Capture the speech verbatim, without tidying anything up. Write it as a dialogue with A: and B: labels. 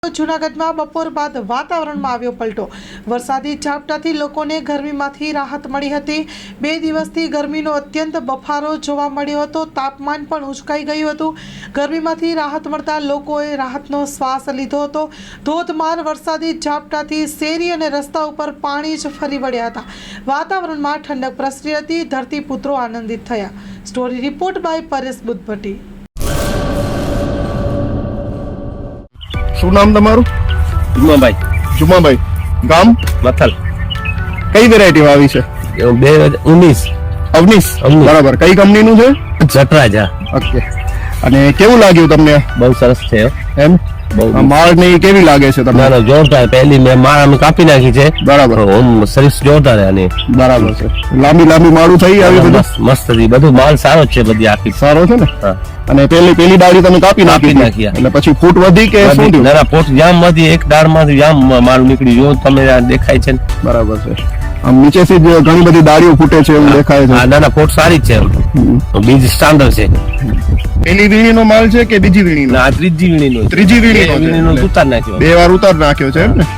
A: જૂનાગઢમાં બપોર બાદ વાતાવરણમાં આવ્યો પલટો। વરસાદી ઝાપટાથી લોકોને ગરમીમાંથી રાહત મળી હતી। બે દિવસથી ગરમીનો અત્યંત બફારો જોવા મળ્યો હતો। તાપમાન પણ ઉંચકાઈ ગયું હતું। ગરમીમાંથી રાહત મળતા લોકોએ રાહતનો શ્વાસ લીધો હતો। ધોધમાર વરસાદી ઝાપટાથી શેરી અને રસ્તા ઉપર પાણી જ ફરી વળ્યા હતા। વાતાવરણમાં ઠંડક પ્રસરી હતી। ધરતીપુત્રો આનંદિત થયા। Story report by Paresh Buddhabhatti.
B: શું નામ તમારું?
C: જુમાભાઈ
B: જુમાભાઈ, ગામ
C: મથલ,
B: કઈ વેરાયટી વાવી છે?
C: બે હજાર ઉન્નીસ
B: અવનીશ, બરાબર। કઈ કંપનીનું છે?
C: જટરાજા।
B: ઓકે, અને કેવું લાગ્યું તમને?
C: બહુ સરસ છે
B: એમ
C: બહુ
B: માળ ને કેવી લાગે છે તમને?
C: ના ના જોરદાર। પહેલી મેં માળ અમે કાપી નાખી છે,
B: બરાબર।
C: ઓમ સર્વિસ જોરદાર છે આની,
B: બરાબર છે। લાંબી લાંબી માળું થઈ આવી બધું
C: મસ્ત મસ્ત હતી, બધું માલ સારો જ છે, બધી આખી
B: સારો છે ને?
C: હા।
B: અને પેલી પેલી ડાળી તમે કાપી નાખી
C: કાપી નાખી,
B: એટલે પછી ફૂટ વધી કે શું થયું?
C: ના ના પોટ જામ માંથી એક દાળ માંથી જામ માલ નીકળી, જો તમે આ દેખાય છે ને?
B: બરાબર છે। આમ નીચેથી જ ઘણી બધી ડાળીઓ ફૂટે છે એવું દેખાય છે।
C: હા ના ના પોટ સારી જ છે, બીજ સ્ટાન્ડર્ડ છે।
B: પેલી વીણીનો માલ છે કે બીજી વીણીનો?
C: ના આ ત્રીજી વીણીનો,
B: ત્રીજી વીણીનો છે,
C: વીણીનો ઉતાર નાખ્યો,
B: બે વાર ઉતાર નાખ્યો છે એમ ને?